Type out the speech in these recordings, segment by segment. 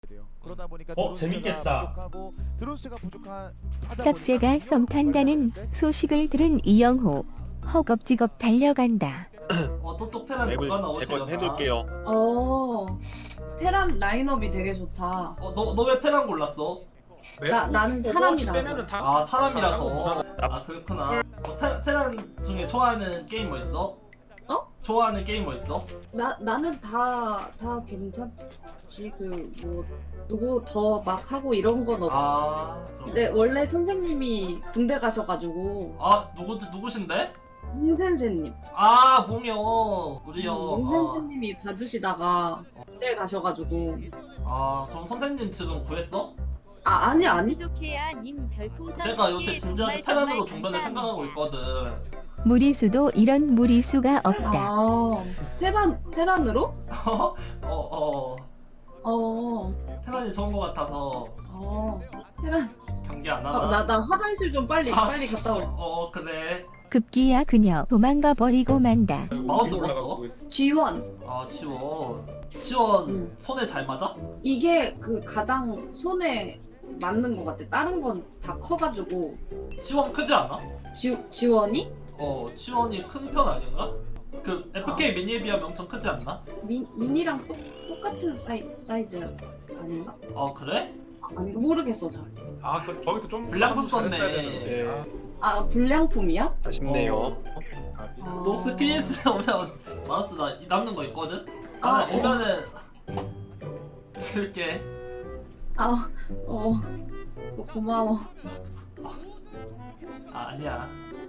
그러다 보니까 재밌겠다. 드론스가 부족하다 짝제가 썸 탄다는 소식을 들은 이영호 허겁지겁 달려간다. 또 테란 맵을 누가 나오시려나? 재건해둘게요. 테란 라인업이 되게 좋다. 너 왜 테란 골랐어? 나는 사람이라서. 아 사람이라서. 아 그렇구나. 테란 중에 좋아하는 게임 뭐 있어? 좋아하는 게임 뭐 있어? 나는 다 괜찮지. 그 뭐 누구 더 막 하고 이런 건 없어. 그럼. 근데 원래 선생님이 군대 가셔가지고 누구신데? 몽센세님. 몽요 우리요. 몽센세님이 봐주시다가 군대 가셔가지고. 그럼 선생님 지금 구했어? 아니. 부족해야 님 별풍선 내가 요새 진지하게 테란으로 종변을 감사합니다. 생각하고 있거든. 무리수도 이런 무리수가 없다. 테란으로? 테란이 좋은 거 같아서 테란. 경기 안 하나? 나 화장실 좀 빨리 갔다 올게. 그래. 급기야 그녀 도망가 버리고 만다. 마우스 눌렀어? G1. 지원 손에 잘 맞아? 이게 그 가장 손에 맞는 것 같아. 다른 건 다 커가지고. 지원 크지 않아? 지원이? 지원이 큰 편 아닌가? 그 FK 미니에 비하면 엄청 크지 않나? 미니랑 똑같은 사이즈 아닌가? 그래? 아닌가 모르겠어 잘. 거기서 좀 불량품 썼네. 네. 불량품이야? 아쉽네요. 너 혹시 PS 오면 마우스 남는 거 있거든? 아, 오면은 줄게. 고마워. 아니야.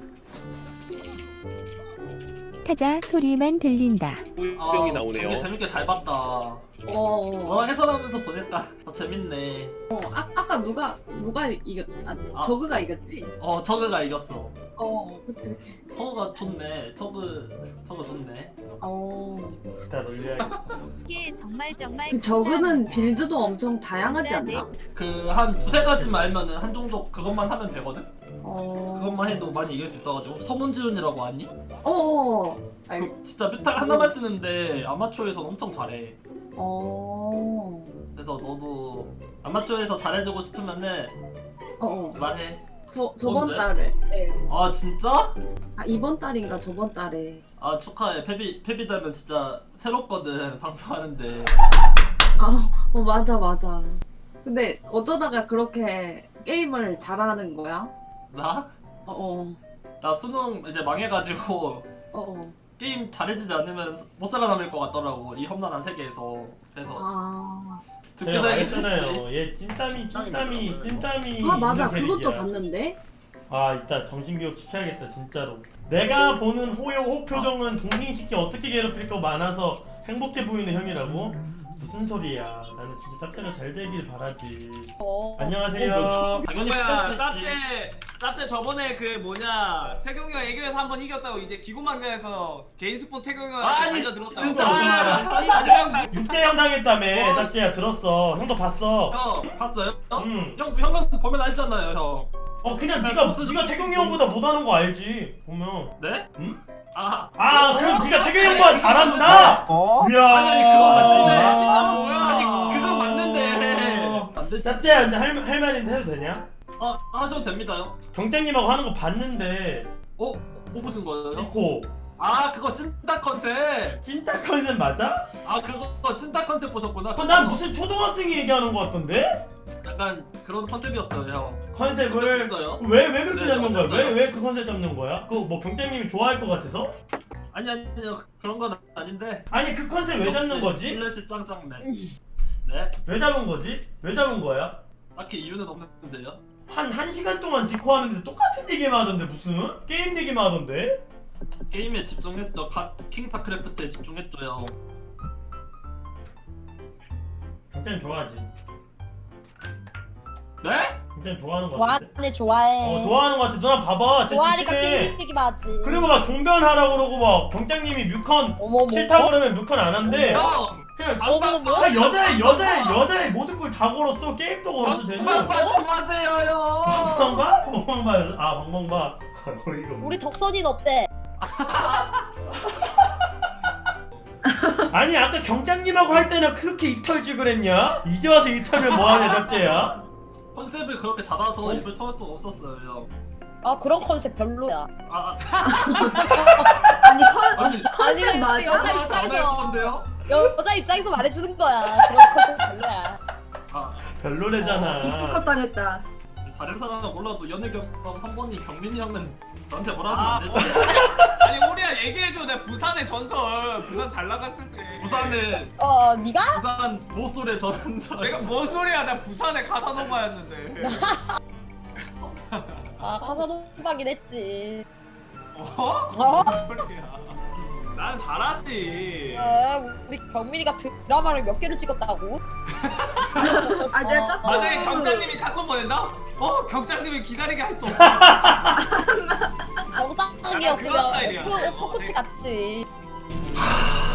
타자 소리만 들린다. 꿀병이 나오네요. 경기 재밌게 잘 봤다. 해설하면서 보냈다. 재밌네. 아까 누가 이겼? 저그가 이겼지? 저그가 이겼어. 그치. 저그가 좋네. 저그 좋네. 이따 놀려야겠다. 이게 정말 그 저그는 빌드도 엄청 다양하지 않나? 그 한 두세 가지만 알면은 한 정도 그것만 하면 되거든? 그것만 해도 많이 이길 수 있어가지고. 서문지훈이라고 아니? 그 진짜 뮤탈 하나만 쓰는데 아마추어에서는 엄청 잘해. 그래서 너도 아마추어에서 잘해주고 싶으면은 말해. 저번 뭔데? 달에. 네. 진짜? 이번 달인가 저번 달에. 축하해. 페비 되면 진짜 새롭거든 방송하는데. 맞아. 근데 어쩌다가 그렇게 게임을 잘하는 거야? 나? 나 수능 이제 망해가지고 게임 잘해지지 않으면 못 살아남을 것 같더라고. 이 험난한 세계에서. 그래서 제가 말했잖아요. 얘 찐땀이 맞아. 있는 그것도 캐릭이야. 봤는데. 이따 정신교육 시켜야겠다 진짜로. 내가 보는 호요 표정은 동생식기 어떻게 괴롭힐 거 많아서 행복해 보이는 형이라고? 무슨 소리야. 나는 진짜 짭짤가 잘 되길 바라지. 안녕하세요. 당연히 짭짤 저번에 그 뭐냐 태경이가 애교에서 한 번 이겼다고 이제 기구만장에서 개인 스폰 태경이가 알려들었다고. 진짜? 6대0 당했다며. 짭짤야 들었어. 형도 봤어. 형 봤어요? 응. 형은 보면 알잖아요 형. 그냥 네가 태경이 형보다 못하는 거 알지. 보면. 네? 응? 그럼 네가 태경이 형보다 잘한다. 이야. 아니 그건 맞는데. 뭐야? 아니 그건 맞는데. 안 되지. 짭짤야 근데 할 말인데 해도 되냐? 하셔도 됩니다요. 경장님하고 하는 거 봤는데. 뭐 무슨 거예요? 디코. 그거 찐따 컨셉. 찐따 컨셉 맞아? 그거 찐따 컨셉 보셨구나. 난 무슨 초등학생이 얘기하는 거 같던데? 약간 그런 컨셉이었어요 형. 컨셉을 어요? 왜 그렇게 네, 잡는 거야? 어땠어요? 왜 그 컨셉 잡는 거야? 그 뭐 경장님이 좋아할 것 같아서? 아니요 그런 건 아닌데. 아니 그 컨셉 왜 잡는 거지? 플래시 짱짱맨. 네? 왜 잡은 거지? 왜 잡은 거야? 딱히 이유는 없는데요. 한 시간 동안 디코 하는데 똑같은 얘기만 하던데 무슨? 게임 얘기만 하던데? 게임에 집중했죠. 킹타크래프트에 집중했죠 형. 경장님 좋아하지? 네? 경장님 좋아하는 거 같은데? 좋아하네 좋아해. 좋아하는 거 같아. 누나 봐봐. 쟤 좋아하니까 조심해. 게임 얘기만 하지. 그리고 막 종변하라고 그러고 막 경장님이 뮤컨 어머머. 싫다고 그러면 뮤컨 안 한대. 형! 그냥 어머머. 여자의 모든 걸 다 걸었어. 게임도 걸었어 쟤는. 방방바 좀 하세요 형! 방방바? 방방바. 방방바. 어이가 없네. 우리 덕선이는 어때? 아니 아까 경장님하고 할 때는 그렇게 입털지 그랬냐? 이제 와서 입털면 뭐하냐 짭제야? 컨셉을 그렇게 잡아서 입을 털 수가 없었어요 형. 아 그런 컨셉 별로야. 아, 아니 아니 컨셉 맞아. 여자 안 할 입장에서 건데요? 여자 입장에서 말해주는 거야. 그런 컨셉 별로야. 아, 별로래잖아. 이쁘컷 당했다. 다른 사람은 몰라도 연애 경험 한 번이 경민이 형은 저한테 뭐라 하시면 안 되죠? 아니 우리야 얘기해줘. 내가 부산의 전설. 부산 잘 나갔을 때. 부산에 네가? 부산 보솔의 전설. 내가 뭔 소리야? 나 부산의 가사노바였는데. 아 가사노바긴 했지. 어? 어? 뭔 소리야? 난 잘하지. 우리 경민이가 드라마를 몇 개를 찍었다고? 아 내가 짰. 만약에 경장님이 카톡 보낸다? 경장님이 기다리게 할 수 없어. 정상이었으면 약간 그런 스타일이야. 포크치 같지.